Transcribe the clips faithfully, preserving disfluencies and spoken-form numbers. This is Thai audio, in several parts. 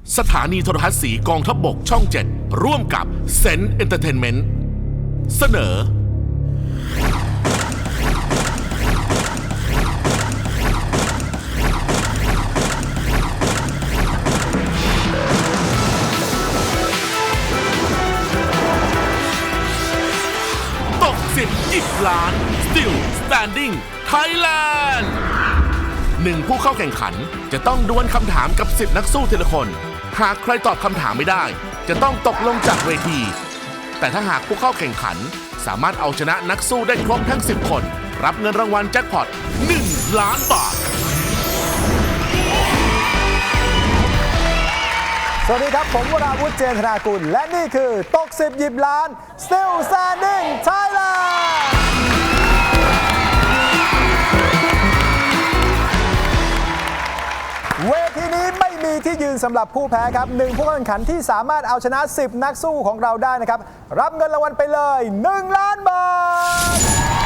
สถานีโทรทัศน์สีกองทัพบกช่องเจ็ดร่วมกับเซนเอนเตอร์เทนเมนต์เสนอตกสิบยิบล้าน Still Standing Thailand หนึ่งผู้เข้าแข่งขันจะต้องดวลคำถามกับสิบนักสู้ทีละคนหากใครตอบคำถามไม่ได้จะต้องตกลงจากเวทีแต่ถ้าหากผู้เข้าแข่งขันสามารถเอาชนะนักสู้ได้ครบทั้งสิบคนรับเงินรางวัลแจ็คพอตหนึ่งล้านบาทสวัสดีครับผมวราวุฒิเจนธนากุลและนี่คือตกสิบหยิบล้าน Still Standing Thailand เวทีนี้ไม่มีที่ยืนสำหรับผู้แพ้ครับหนึ่งผู้แข่งขันที่สามารถเอาชนะสิบนักสู้ของเราได้นะครับรับเงินรางวัลไปเลยหนึ่งล้านบาท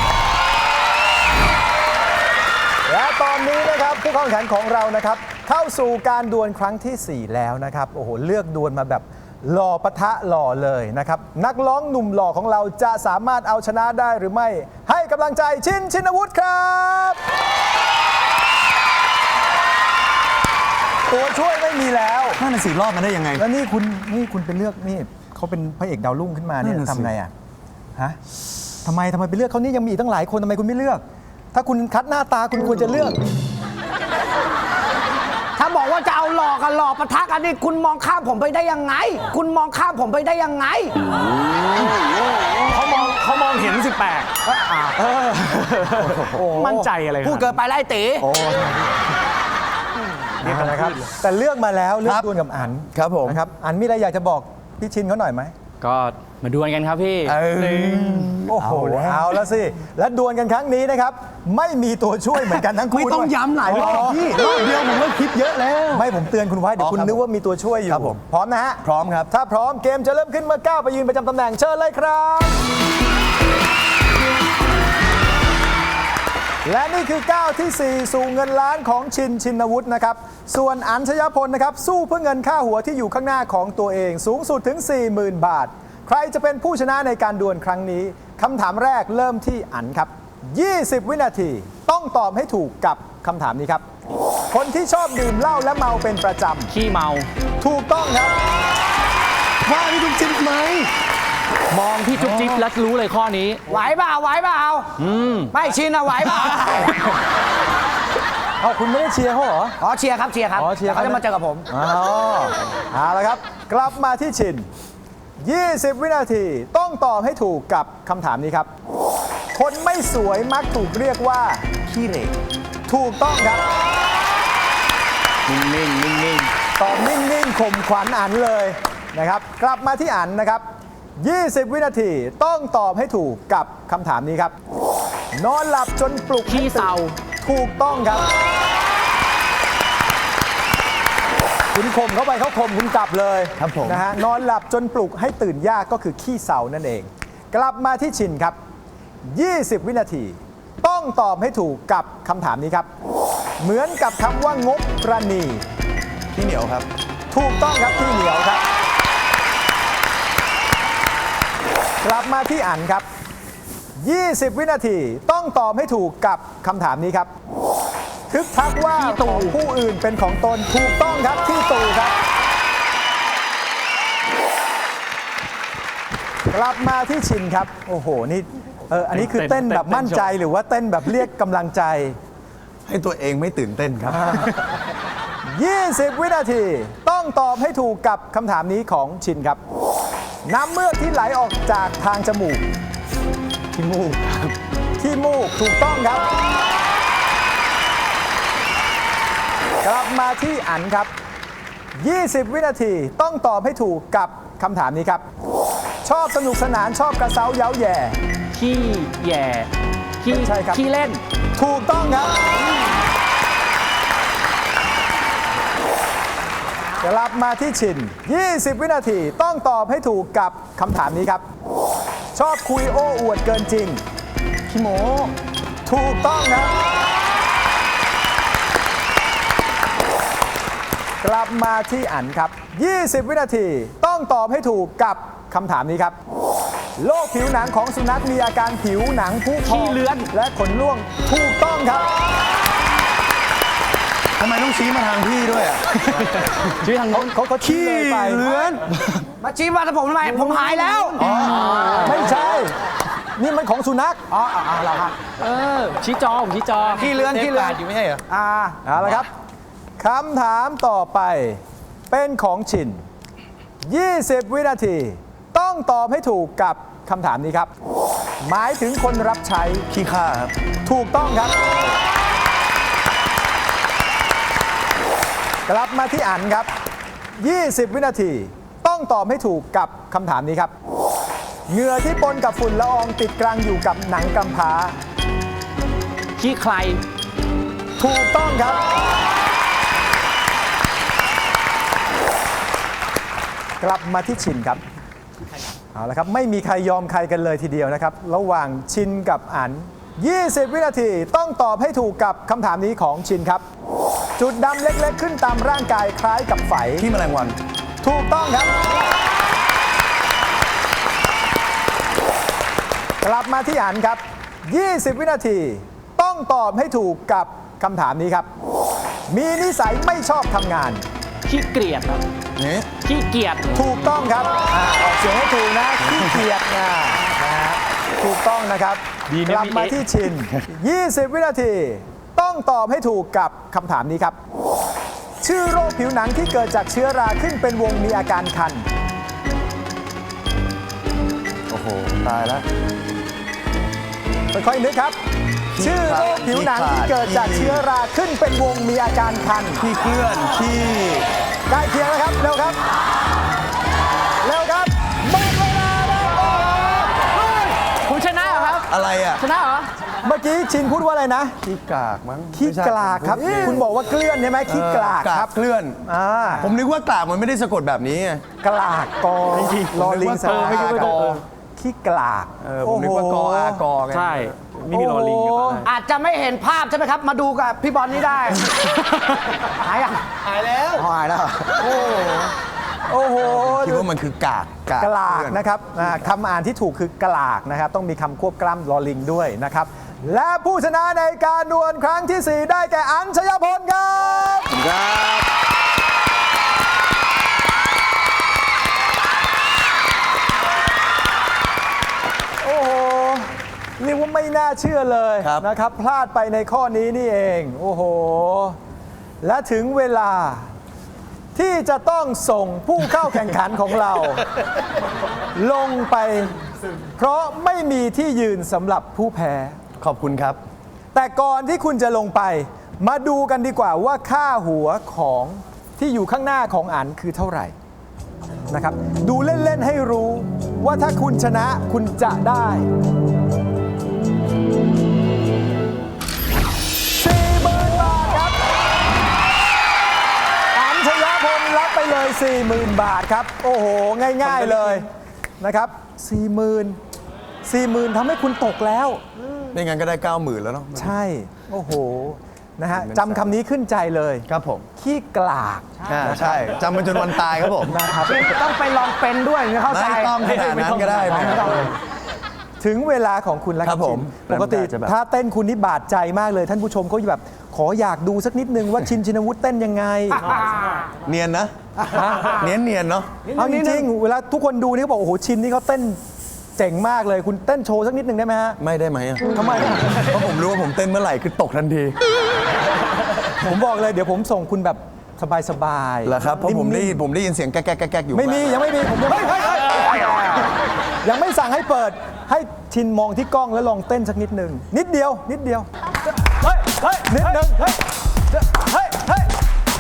และตอนนี้นะครับผู้เข้าแข่งขันของเรานะครับเข้าสู่การดวลครั้งที่สี่แล้วนะครับโอ้โหเลือกดวลมาแบบหล่อปะทะหล่อเลยนะครับนักร้องหนุ่มหล่อของเราจะสามารถเอาชนะได้หรือไม่ให้กำลังใจชินชินวุฒิครับตัวช่วยไม่มีแล้วนั่นน่ะสิรอดมาได้ยังไงแล้วนี่คุณนี่คุณไปเลือกนี่เขาเป็นพระเอกดาวรุ่งขึ้นมาเนี่ยทำไงอ่ะฮะทำไมทำไมไปเลือกเขานี่ยังมีตั้งหลายคนทำไมคุณไม่เลือก ถ้าคุณคัดหน้าตาคุณควรจะเลือกถ้าบอกว่าจะเอาหลอกกันหลอกปะทะกันนี่คุณมองข้ามผมไปได้ยังไงคุณมองข้ามผมไปได้ยังไงเขามองเขามองเห็นสิบแปดมั่นใจอะไรพูดเกินไปไล่ตีนี่นะครับแต่เลือกมาแล้วเลือกดวลกับอันครับผมนะครับอันมีอะไรอยากจะบอกพี่ชินเขาหน่อยไหมก็มาดวลกันครับพี่โอ้โหเอาแล้วสิและดวลกันครั้งนี้นะครับไม่มีตัวช่วยเหมือนกันทั้งคู่ไม่ต้องย้ำหลายรอบพี่รอบเดียวผมก็คิดเยอะแล้วไม่ผมเตือนคุณไว้เดี๋ยวคุณนึกว่ามีตัวช่วยอยู่พร้อมนะฮะพร้อมครับถ้าพร้อมเกมจะเริ่มขึ้นเมื่อก้าวไปยืนประจำตำแหน่งเชิญเลยครับและนี่คือก้าวที่สี่สู่เงินล้านของชินชินวุฒินะครับส่วนอัญชยพลนะครับสู้เพื่อเงินค่าหัวที่อยู่ข้างหน้าของตัวเองสูงสุดถึง สี่หมื่น บาทใครจะเป็นผู้ชนะในการดวลครั้งนี้คำถามแรกเริ่มที่อันครับยี่สิบวินาทีต้องตอบให้ถูกกับคำถามนี้ครับคนที่ชอบดื่มเหล้าและเมาเป็นประจำขี้เมาถูกต้องครับว่าพี่จุ๊บจิ๊บไหมมองพี่จุ๊บจิ๊บแล้วรู้เลยข้อนี้ไหวเปล่าไหวเปล่าอืมไม่ชินอะไหวเปล่าเอาคุณไม่ได้เชียร์เขาเหรออ๋อเชียร์ครับเชียร์ครับเขาจะมาเจอกับผมอ๋อเอาละครับกลับมาที่ชินยี่สิบวินาทีต้องตอบให้ถูกกับคำถามนี้ครับคนไม่สวยมักถูกเรียกว่าขี้เหร่ถูกต้องครับนิ่งๆนิ่งๆตอบนิ่งๆข่มขวัญอันเลยนะครับกลับมาที่อันนะครับยี่สิบวินาทีต้องตอบให้ถูกกับคำถามนี้ครับนอนหลับจนปลุกขี้เศร้าถูกต้องครับคุณข่มเข้าไปเขาข่มคุณกลับเลยครับผมนะฮะนอนหลับจนปลุกให้ตื่นยากก็คือขี้เศร้านั่นเองกลับมาที่ชินครับยี่สิบวินาทีต้องตอบให้ถูกกับคำถามนี้ครับเหมือนกับคำว่างบประณีที่เหนียวครับถูกต้องครับที่เหนียวครับกลับมาที่อันครับยี่สิบวินาทีต้องตอบให้ถูกกับคำถามนี้ครับทึกทักว่าของผู้อื่นเป็นของตนถูกต้องครับที่ตู่ครับกลับมาที่ชินครับโอ้โหนี่เอออันนี้คือเต้นแบบมั่นใจหรือว่าเต้นแบบเรียกกำลังใจให้ตัวเองไม่ตื่นเต้นครับยี่สิบวินาทีต้องตอบให้ถูกกับคำถามนี้ของชินครับน้ำเมือกที่ไหลออกจากทางจมูกขี้มูกครับขี้มูกถูกต้องครับกลับมาที่อันครับยี่สิบวินาทีต้องตอบให้ถูกกับคำถามนี้ครับชอบสนุกสนานชอบกระเซ้าเย้าแย่ขี้แย่ขี้ใช่ครับขี้เล่นถูกต้องครับกลับมาที่ชินยี่สิบวินาทีต้องตอบให้ถูกกับคำถามนี้ครับชอบคุยโอ้อวดเกินจริงขี้โม้ถูกต้องครับกลับมาที่อันครับ ยี่สิบ วินาทีต้องตอบให้ถูกกับคำถามนี้ครับ โรคผิวหนังของสุนัขมีอาการผิวหนังพุพองขี้เลื้อนและขนร่วงถูกต้องครับทำไมต้องชี้มาทางพี่ด้วยอ่ะชื่อทางโน้นเขาเขาชี้เลยไปเลื้อนมาชี้มาถ้าผมทำไมผมหายแล้วไม่ใช่ นี่มันของสุนัขอ๋ออ๋อเหรอครับเออชี้จอผมชี้จอขี้เลื้อนขี้เลื้อนอยู่ไม่ใช่เหรออ่าเอาละครับคำถามต่อไปเป็นของชิน ยี่สิบ วินาที ต้องตอบให้ถูกกับคำถามนี้ครับ หมายถึงคนรับใช้ขี้ข้าครับถูกต้องครับ กลับมาที่อันครับ ยี่สิบ วินาที ต้องตอบให้ถูกกับคำถามนี้ครับ เหงื่อที่ปนกับฝุ่นละอองติดกลางอยู่กับหนังกำพร้าขี้ใครถูกต้องครับ กลับมาที่ชินครับ เอาละครับ ไม่มีใครยอมใครกันเลยทีเดียวนะครับ ระหว่างชินกับอัน ยี่สิบ วินาทีต้องตอบให้ถูกกับคำถามนี้ของชินครับ จุดดำเล็กๆ ขึ้นตามร่างกายคล้ายกับไฝที่แมลงวันถูกต้องครับ กลับมาที่อันครับ ยี่สิบ วินาที ต้องตอบให้ถูกกับคำถามนี้ครับ มีนิสัยไม่ชอบทำงานขี้เกียจครับนี่ขี้เกียจถูกต้องครับอาออกเสียงให้ถูกนะขี้เกียจนะนะฮะถูกต้องนะครับดีนะกลับมาพี่เอ๊ะที่ชิน ยี่สิบ วินาที ต้องตอบให้ถูกกับคำถามนี้ครับ ชื่อโรคผิวหนังที่เกิดจากเชื้อราขึ้นเป็นวงมีอาการคันโอ้โห ตายแล้วค่อยๆนึกครับ ชื่อโรคผิวหนังที่เกิดจากเชื้อราขึ้นเป็นวงมีอาการคันขี้เคลื่อน ขี้ใกล้เคียงแล้วครับ เร็วครับ เร็วครับหมดเวลาแล้วโอ้โหคุณชนะเหรอครับอะไรอ่ะชนะเหรอเมื่อกี้ชินพูดว่าอะไรนะขี้กากมั้งขี้ไม่ใช่กลากครับ คุณบอกว่าเกลื่อนใช่ไหมขี้กลากเออกคารักบเคลื่อนอ่าผมนึกว่ากากมันไม่ได้สะกดแบบนี้ไงกลากกอลอลิงสผมระนึกว่ากอขี้กลากเออผมนึกว่ากออากอไงใช่ ไม่มีรอลิงกับอะไรอาจจะไม่เห็นภาพใช่ไหมครับ มาดูกับพี่บอลนี่ได้ หายยังหายแล้วหายแล้วโอ้โหคิดว่ามันคือกากกลากเคลื่อนนะครับอ่าคำอ่านที่ถูกคือกลากนะครับ ต้องมีคำควบกล้ำลอลิงด้วยนะครับ และผู้ชนะในการดวลครั้งที่ สี่ ได้แก่อัญชยพลครับครับโอ้โหเรียกว่าไม่น่าเชื่อเลยครับนะครับ พลาดไปในข้อนี้นี่เอง โอ้โห และถึงเวลาที่จะต้องส่งผู้เข้าแข่งขันของเรา ลงไป เพราะไม่มีที่ยืนสำหรับผู้แพ้ขอบคุณครับแต่ก่อนที่คุณจะลงไป มาดูกันดีกว่าว่าค่าหัวของที่อยู่ข้างหน้าของอันคือเท่าไหร่นะครับ ดูเล่น ๆ ให้รู้ว่าถ้าคุณชนะคุณจะได้ สี่หมื่น บาทครับ อัญชยพลรับไปเลย สี่หมื่น บาทครับ โอ้โห ง่าย ๆ เลยนะครับ สี่หมื่น สี่หมื่นทำให้คุณตกแล้วไม่งั้นก็ได้เก้าหมื่นแล้วเนาะใช่ โอ้โห นะฮะจำคำนี้ขึ้นใจเลยครับผมขี้กลากอ่าใช่จำมันจนวันตายครับผมนะครับต้องไปลองเป็นด้วยถึงจะเข้าใจไม่ต้องขนาดนั้นก็ได้ไหมไม่ต้องถึงเวลาของคุณแล้วคครัรับบผมชินปกติน่าจะแบบถ้าเต้นคุณนี่บาดใจมากเลย ท่านผู้ชมเขาแบบ ขออยากดูสักนิดนึงว่าชินชินวุฒิเต้นยังไงเนียนนะ เนียนเนียนๆเนาะเอาจริงๆเวลาทุกคนดูนี่เขาบอกโอ้โหชินนี่เขาเต้นเจ๋งมากเลย คุณเต้นโชว์สักนิดนึงได้ไหมฮะไม่ได้ไหมอะทำไมเพราะผมรู้ว่าผมเต้นเมื่อไหร่คือตกทันทีผมบอกเลยเดี๋ยวผมส่งคุณแบบสบายๆเหรอครับ เพราะผมได้นิ่ยินผมได้ยินเสียงแก๊กแก๊กแก๊กแก๊กอยู่ไม่มียังไม่มีผมยังไม่ยังไม่สั่งให้เปิดให้ชินมองที่กล้องแล้วลองเต้นสักนิดหนึ่งนิดเดียวนิดเดียวเฮ้ยเฮ้ยนิดหนึ่งเฮ้ยเฮ้ยเฮ้ย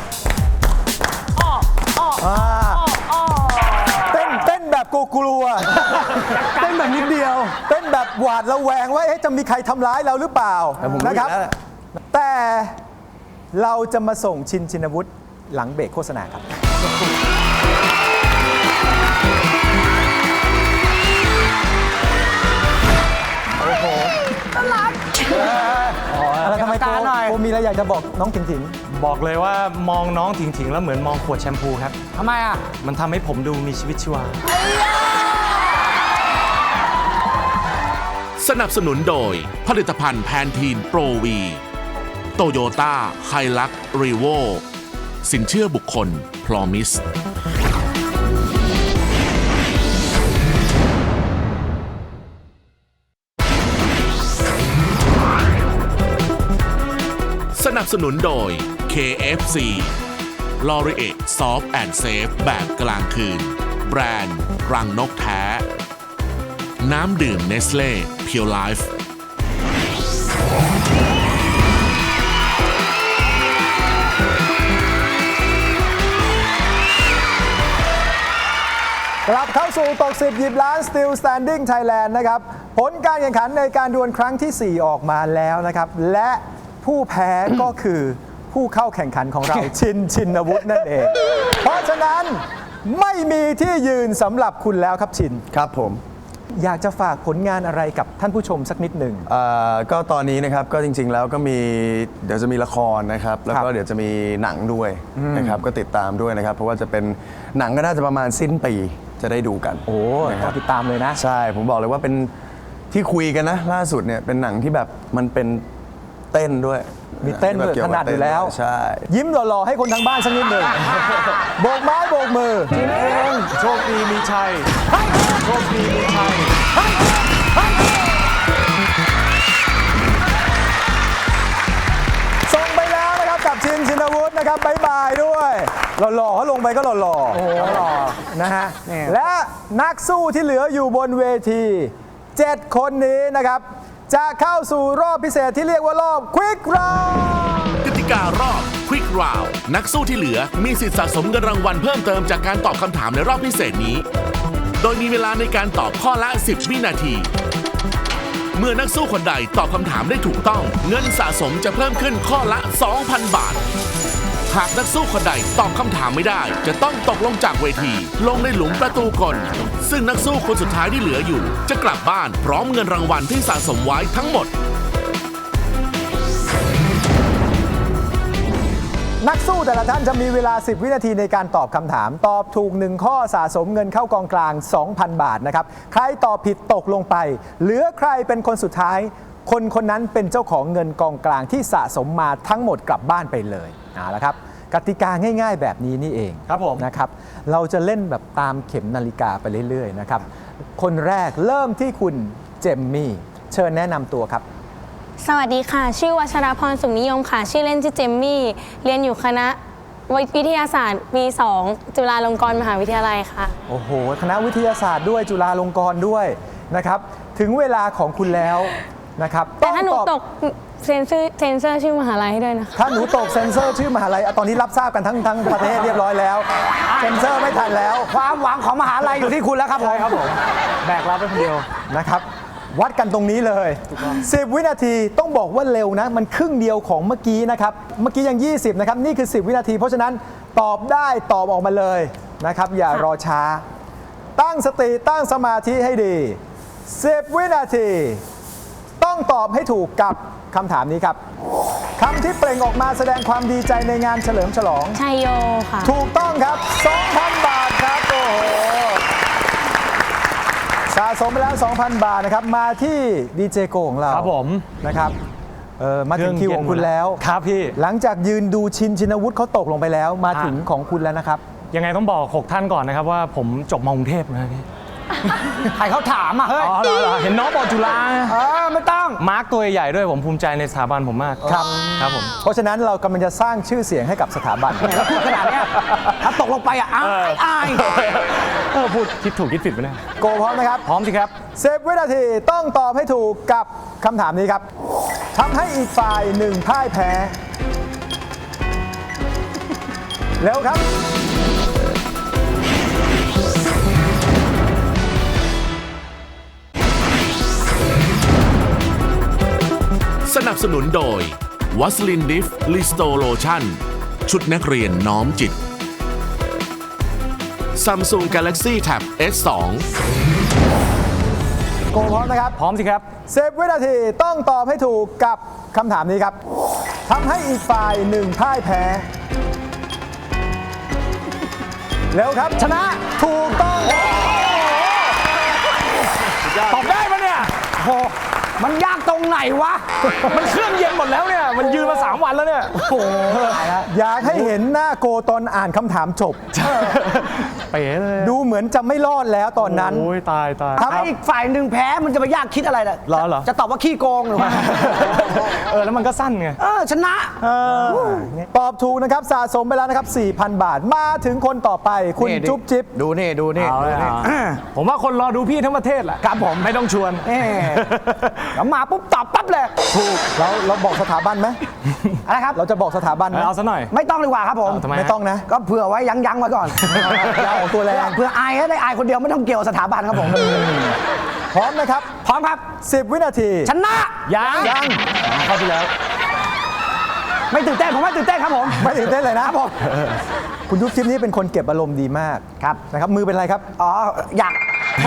อ่าเต้นเต้นแบบกลัวๆเต้นแบบนิดเดียว เต้นแบบหวาดระแวงว่าเอ๊ะจะมีใครทำร้ายเราหรือเปล่าแต่ผมรู้นะอครับยู่แล้วแหละแต่เราจะมาส่งชินชินวุฒิหลังเบรกโฆษณาครับ โอ้โหน่ารักอะไรทำไมโกกรรมการหน่อยโกมีอะไรอยากจะบอกน้องถิงถิงบอกเลยว่ามองน้องถิงๆแล้วเหมือนมองขวดแชมพูครับทำไมอ่ะมันทำให้ผมดูมีชีวิตชีวาสนับสนุนโดยผลิตภัณฑ์แพนทีนโปรวีโตโยต้าไฮลักรีโวสินเชื่อบุคคลพรอมิสสนับสนุนโดย เค เอฟ ซี ลอรีเอ Soft and Safe แบบกลางคืน แบรนด์รังนกแท้ น้ำดื่มเนสเล่เพียวไลฟ์กลับเข้าสู่ตกสิบหยิบล้าน Still Standing Thailand นะครับผลการแข่งขันในการดวลครั้งที่ สี่ ออกมาแล้วนะครับและผู้แพ้ก็คือผู้เข้าแข่งขันของเรา ชินชินวุฒินั่นเอง เพราะฉะนั้นไม่มีที่ยืนสำหรับคุณแล้วครับชินครับผมอยากจะฝากผลงานอะไรกับท่านผู้ชมสักนิดหนึ่งเอ่อก็ตอนนี้นะครับก็จริงๆแล้วก็มีเดี๋ยวจะมีละครนะครับแล้วคก็รับเดี๋ยวจะมีหนังด้วยนะครับก็ติดตามด้วยนะครับเพราะว่าจะเป็นหนังก็น่าจะประมาณสิ้นปีจะได้ดูกันโอ้นะคต้รัอบ งติดตามเลยนะใช่ผมบอกเลยว่าเป็นที่คุยกันนะล่าสุดเนี่ยเป็นหนังที่แบบมันเป็นเต้นด้วยมีเต้นด้วยที่แบบถนัดอยู่แล้วใช่ยิ้มหล่อๆให้คนทางบ้านสักนิดหนึ่ง โบกไม้โบกมือชินเองโชคดีมีชัยโชคดีมีชัยส่งไปแล้วนะครับกับชินชินวุฒินะครับบายบายด้วยหล่อๆเขาลงไปก็หล่อๆโอ้หล่อนะฮะและนักสู้ที่เหลืออยู่บนเวทีเจ็ดคนนี้นะครับจะเข้าสู่รอบพิเศษที่เรียกว่ารอบ Quick Round กติการอบ Quick Round นักสู้ที่เหลือมีสิทธิสะสมเงินรางวัลเพิ่มเติมจากการตอบคำถามในรอบพิเศษนี้ โดยมีเวลาในการตอบข้อละ สิบ วินาที เมื่อนักสู้คนใดตอบคำถามได้ถูกต้อง เงินสะสมจะเพิ่มขึ้นข้อละ สองพัน บาท หากนักสู้คนใดตอบคำถามไม่ได้ จะต้องตกลงจากเวที ลงในหลุมประตูกลซึ่งนักสู้คนสุดท้ายที่เหลืออยู่ จะกลับบ้านพร้อมเงินรางวัลที่สะสมไว้ทั้งหมดนักสู้แต่ละท่านจะมีเวลา สิบ วินาทีในการตอบคำถาม ตอบถูกหนึ่งข้อสะสมเงินเข้ากองกลาง สองพัน บาทนะครับใครตอบผิดตกลงไป เหลือใครเป็นคนสุดท้าย คนคนนั้นเป็นเจ้าของเงินกองกลางที่สะสมมาทั้งหมดกลับบ้านไปเลยเอาละครับกติกาง่ายๆแบบนี้นี่เองครับผมนะครับเราจะเล่นแบบตามเข็มนาฬิกาไปเรื่อยๆนะครับคนแรกเริ่มที่คุณเจมมี่เชิญแนะนำตัวครับสวัสดีค่ะ ชื่อวัชรพรสุขนิยมค่ะ ชื่อเล่นชื่อเจมมี่ เรียนอยู่คณะวิทยาศาสตร์ปี สอง จุฬาลงกรณ์มหาวิทยาลัยค่ะโอ้โห คณะวิทยาศาสตร์ด้วยจุฬาลงกรณ์ด้วยนะครับ ถึงเวลาของคุณแล้วนะครับแต่ถ้าหนูองตกเซนเซอร์เซนเซอร์ชื่อมหาลัยให้ด้วยนะคะถ้าหนูตกเซ็นเซอร์ชื่อมหาลัยอ่ะตอนนี้รับทราบกันทั้งทั้งประเทศเรียบร้อยแล้ว เซ็นเซอร์ไม่ทันแล้วความหวังของมหาลัยอยู่ที่คุณแล้วครับผมครับผมแบกรับไปคนเดียวนะครับ วัดกันตรงนี้เลย สิบ วินาทีต้องบอกว่าเร็วนะ มันครึ่งเดียวของเมื่อกี้นะครับ เมื่อกี้ยัง ยี่สิบ นะครับ นี่คือ สิบ วินาที เพราะฉะนั้นตอบได้ตอบออกมาเลยนะครับ อย่ารอช้า ตั้งสติตั้งสมาธิให้ดี สิบ วินาที ต้องตอบให้ถูกกับคำถามนี้ครับคำที่เปล่งออกมาแสดงความดีใจในงานเฉลิมฉลองชัยโยค่ะถูกต้องครับ สองพัน บาทครับ โอ้โห สะสมไปแล้ว สองพัน บาทนะครับ มาที่ดีเจโกของเราครับผมนะครับเออมาถึงคิวของคุณแล้วครับพี่หลังจากยืนดูชินชินวุฒิเขาตกลงไปแล้ว มาถึงของคุณแล้วนะครับยังไงต้องบอกหกท่านก่อนนะครับว่าผมจบมากรุงเทพนะพี่ใครเขาถามอ่ะเฮ้ยอ๋อเหรอเหรอเห็นน้องบอกจุฬาเออไม่ต้องมาร์กตัวใหญ่ๆด้วยผมภูมิใจในสถาบันผมมากครับครับผมเพราะฉะนั้นเรากำลังจะสร้างชื่อเสียงให้กับสถาบันแล้วพูดขนาดเนี้ยถ้าตกลงไปอ่ะอายอายเออพูดคิดถูกคิดผิดไปเนี่ยโกพร้อมนะครับพร้อมสิครับสิบ วินาทีต้องตอบให้ถูกกับคำถามนี้ครับทำให้อีกฝ่ายหนึ่งพ่ายแพ้ เร็วครับสนับสนุนโดยวัสลินดิฟลิสโตโลชั่นชุดนักเรียนน้อมจิต Samsung Galaxy Tab เอส สองโกพร้อมนะครับพร้อมสิครับสิบ วินาทีต้องตอบให้ถูกกับคำถามนี้ครับทำให้อีกฝ่ายหนึ่งพ่ายแพ้ แล้วครับชนะถูกต้องตอบได้ปะเนี่ยโอ้มันยากตรงไหนวะมันเครื่องเย็นหมดแล้วเนี่ย มันยืนมาสามวันแล้วเนี่ยโอ้ตายแล้วอยากให้เห็นหน้าโกตอนอ่านคำถามจบเป๋เลยดูเหมือนจะไม่รอดแล้วตอนนั้นโอ้ยตายตายถ้าอีกฝ่ายหนึ่งแพ้มันจะไปยากคิดอะไรล่ะเหรอเหรอจะตอบว่าขี้โกงหรือว่าเออแล้วมันก็สั้นไงเออชนะตอบถูกนะครับสะสมไปแล้วนะครับ สี่พัน บาท มาถึงคนต่อไปคุณนี่ดิจุ๊บจิ๊บดูนี่ดูนี่เอาเลยอ่ะผมว่าคนรอดูพี่ทั้งประเทศแหละครับผมไม่ต้องชวนเอ๊แล้วมาปุ๊บตอบปั๊บเลยถูกเราเราบอกสถาบันไหมอะไรครับเราจะบอกสถาบันไหมเอาซะหน่อยไม่ต้องดีกว่าครับผมเอาทำไมไม่ต้องนะก็เผื่อไว้ยั้งยั้งๆไว้ก่อนอย่าออกตัวแรงเผื่ออายให้ได้อายคนเดียวไม่ต้องเกี่ยวสถาบันครับผมพร้อมนะครับพร้อมครับสิบ วินาทีชนะยังยังเข้าไปแล้วไม่ตื่นเต้นผมไม่ตื่นเต้นครับผมไม่ตื่นเต้นเลยนะครับผมคุณยุบจิ๊บนี่เป็นคนเก็บอารมณ์ดีมากครับนะครับมือเป็นไรครับอ๋ออยาก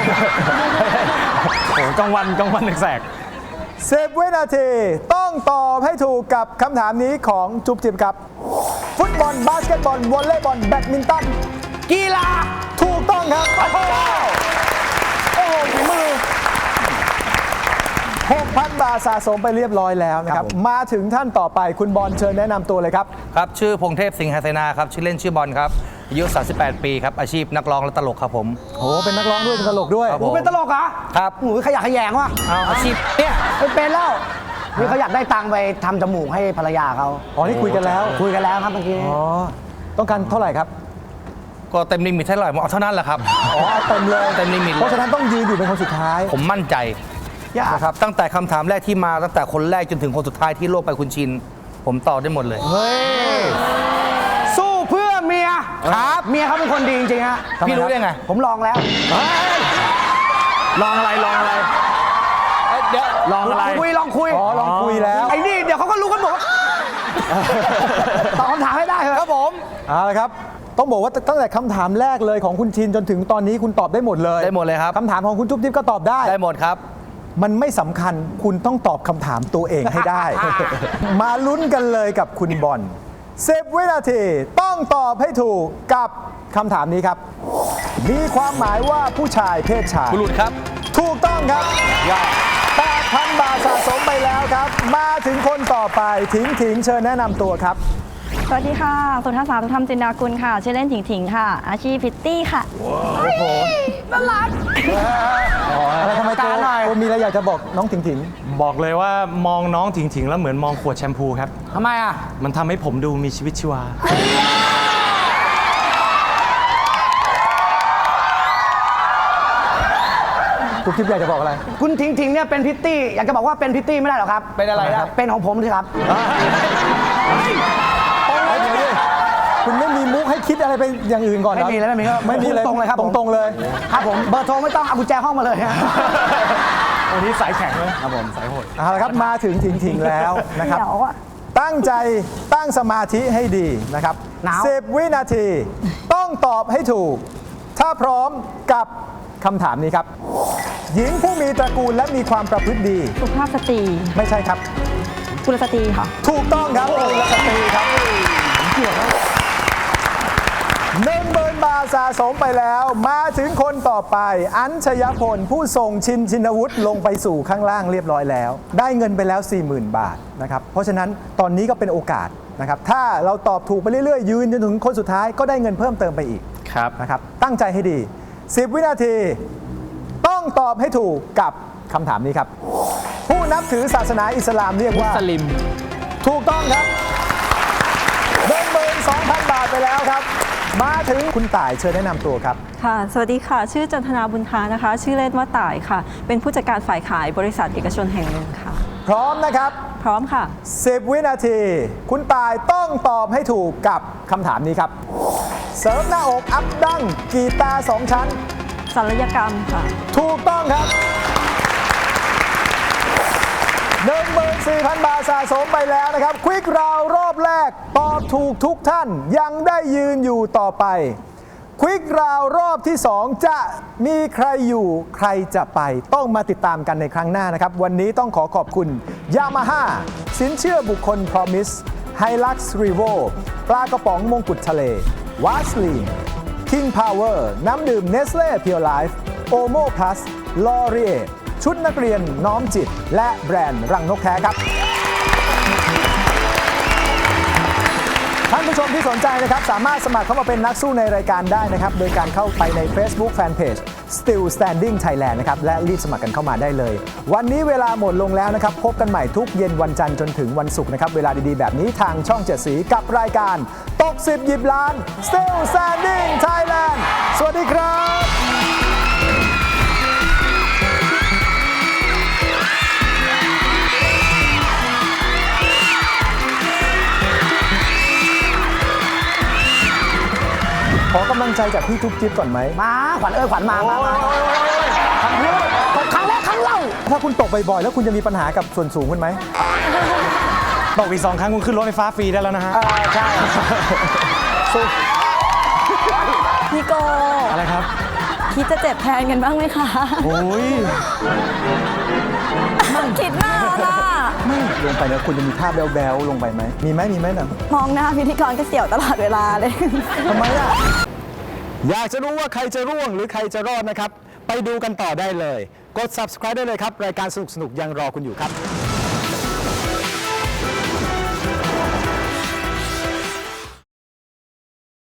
โอ้กลางวันกลางวันแสกสิบ วินาทีต้องตอบให้ถูกกับคำถามนี้ของจุ๊บจิ๊บครับ ฟุตบอลบาสเกตบอลวอลเลย์บอลแบดมินตันกีฬาถูกต้องครับ โอ้โหโอ้โหฝีมือ หกพัน บาทสะสมไปเรียบร้อยแล้วนะครับ มาถึงท่านต่อไปคุณบอลเชิญแนะนำตัวเลยครับครับ ชื่อพงเทพสิงหาเสนาครับ ชื่อเล่นชื่อบอลครับ อายุ สามสิบแปด ปีครับ อาชีพนักร้องและตลกครับผมโอ้โหเป็นนักร้องด้วยเป็นตลกด้วยครับหนูเป็นตลกเหรอครับหนูขยะแขยงว่ะเอาอาชีพเนี่ยไม่เป็นแล้วนี่เขาอยากได้ตังค์ไปทำจมูกให้ภรรยาเขาอ๋อ นี่คุยกันแล้วคุยกันแล้วครับเมื่อกี้อ๋อ ต้องการเท่าไหร่ครับก็เต็มลิมิตเท่าไหร่ผมเอาเท่านั้นแหละครับอ๋อเอาเต็มเลยเต็มลิมิตเลยเพราะฉะนั้นต้องยืนอยู่เป็นคนสุดท้ายผมมั่นใจยากนะครับตั้งแต่คำถามแรกที่มาตั้งแต่คนแรกจนถึงคนสุดท้ายที่โลกไปคุณชิน ผมตอบได้หมดเลยสู้เพื่อเมียครับเมียเขาเป็นคนดีจริงๆฮะพี่รู้ได้ไงผมลองแล้วลองอะไรลองอะไรเดี๋ยวลองอะไรลองคุยลองคุยอ๋อ ลองคุยแล้วไอ้นี่เดี๋ยวเขาก็รู้กันหมดว่าตอบคำถามให้ได้เถอะครับผมเอาละครับ ต้องบอกว่าตั้งแต่คำถามแรกเลยของคุณชินจนถึงตอนนี้คุณตอบได้หมดเลยได้หมดเลยครับคำถามของคุณจุ๊บจิ๊บก็ตอบได้ได้หมดครับมันไม่สำคัญคุณต้องตอบคำถามตัวเองให้ได้ มาลุ้นกันเลยกับคุณบอลสิบ วินาทีต้องตอบให้ถูกกับคำถามนี้ครับ มีความหมายว่าผู้ชายเพศชายบุรุษครับถูกต้องครับแปดพัน บาทสะสมไปแล้วครับ มาถึงคนต่อไปถิงถิงเชิญแนะนำตัวครับสวัสดีค่ะ สุทัศสาสุธรรมจินดากุลค่ะ ชื่อเล่นถิงถิงค่ะ อาชีพพิตตี้ค่ะอะไรทำไมโกการหน่อยโกมีอะไรอยากจะบอกน้องถิงถิงบอกเลยว่ามองน้องถิงถิงๆแล้วเหมือนมองขวดแชมพูครับทำไมอ่ะมันทำให้ผมดูมีชีวิตชีวาทุกคลิปอยากจะบอกอะไรคุณทิงทิงเนี่ยเป็นพิตตี้อยากจะบอกว่าเป็นพิตตี้ไม่ได้หรอกครับเป็นอะไรนะเป็นของผมสิครับเดี๋ยวดิคุณไม่มีมุกให้คิดอะไรไปอย่างอื่นก่อนเหรอไม่มีเลยไม่มีก็ไม่มีเลยตรงเลยครับผมตรงๆเลยครับผมเบอร์โทรไม่ต้องเอากุญแจห้องมาเลยฮะวันนี้สายแข็งเลยครับผมสายโหดเอาละครับมาถึงถิงถิงแล้วนะครับเดี๋ยวอะตั้งใจตั้งสมาธิให้ดีนะครับหนาวสิบ วินาที ต้องตอบให้ถูก ถ้าพร้อมกับคำถามนี้ครับ หญิงผู้มีตระกูลและมีความประพฤติดีสุภาพสตรีไม่ใช่ครับกุลสตรีค่ะถูกต้องครับกุลสตรีครับหนึ่งหมื่นบาทสะสมไปแล้ว มาถึงคนต่อไป อัญชยพลผู้ส่งชินชินวุฒิลงไปสู่ข้างล่างเรียบร้อยแล้ว ได้เงินไปแล้ว สี่หมื่น บาทนะครับ เพราะฉะนั้นตอนนี้ก็เป็นโอกาสนะครับ ถ้าเราตอบถูกไปเรื่อยๆ ยืนจนถึงคนสุดท้ายก็ได้เงินเพิ่มเติมไปอีกครับนะครับ ตั้งใจให้ดี สิบ วินาที ต้องตอบให้ถูกกับคำถามนี้ครับ ผู้นับถือศาสนาอิสลามเรียกว่าสลิมถูกต้องครับหนึ่งหมื่นสองพัน บาทไปแล้วครับ มาถึงคุณต่ายเชิญแนะนำตัวครับค่ะ สวัสดีค่ะ ชื่อจันทนาบุญทานะคะ ชื่อเล่นว่าต่ายค่ะ เป็นผู้จัดการฝ่ายขายบริษัทเอกชนแห่งหนึ่งค่ะพร้อมนะครับพร้อมค่ะสิบ วินาที คุณต่ายต้องตอบให้ถูกกับคำถามนี้ครับ เสริมหน้าอกอัพดั้งกีตาร์สองชั้นศัลยกรรมค่ะถูกต้องครับ หนึ่งหมื่นสี่พัน บาทสะสมไปแล้วนะครับควิกราวรอบแรกตอบถูกทุกท่านยังได้ยืนอยู่ต่อไปควิกราวรอบที่ สอง จะมีใครอยู่ใครจะไปต้องมาติดตามกันในครั้งหน้านะครับ วันนี้ต้องขอขอบคุณ Yamaha สินเชื่อบุคคล Promise Hilux Revo ปลากระป๋องมงกุฎทะเล Vaseline King Power น้ำดื่ม Nestle Pure Life Omo Plus L'Oreal ชุดนักเรียนน้อมจิต และแบรนด์รังนกแท้ครับ ท่านผู้ชมที่สนใจนะครับสามารถสมัครเข้ามาเป็นนักสู้ในรายการได้นะครับ โดยการเข้าไปใน Facebook Fanpage Still Standing Thailand นะครับและรีบสมัครกันเข้ามาได้เลย วันนี้เวลาหมดลงแล้วนะครับพบกันใหม่ทุกเย็นวันจันทร์จนถึงวันศุกร์นะครับเวลาดีๆแบบนี้ทางช่องเจ็ดสีกับรายการตกสิบหยิบล้าน Still Standing Thailand สวัสดีครับ ขอกำลังใจจากพี่ทุกจิ๊บก่อนไหมมาขวัญเอ้ยขวัญมามามาครั้งแรกครั้งแรกครั้งเล่าถ้าคุณตกบ่อยๆแล้วคุณจะมีปัญหากับส่วนสูงคุณไหมตกอีกสองครั้งคุณขึ้นรถไฟฟ้าฟรีได้แล้วนะฮะใช่พี่โกอะไรครับคิดจะเจ็บแทนกันบ้างไหมคะโอ้ยคิดมากค่ะไม่ลงไปแล้วคุณจะมีท่าแบ๊วๆลงไปไหม มีไหมมีไหมนะมองหน้าพิธีกรก็เสี่ยวตลอดเวลาเลยทำไมอ่ะ อยากจะรู้ว่าใครจะร่วงหรือใครจะรอดนะครับ ไปดูกันต่อได้เลย กด Subscribe ได้เลยครับ รายการสนุกๆยังรอคุณอยู่ครับ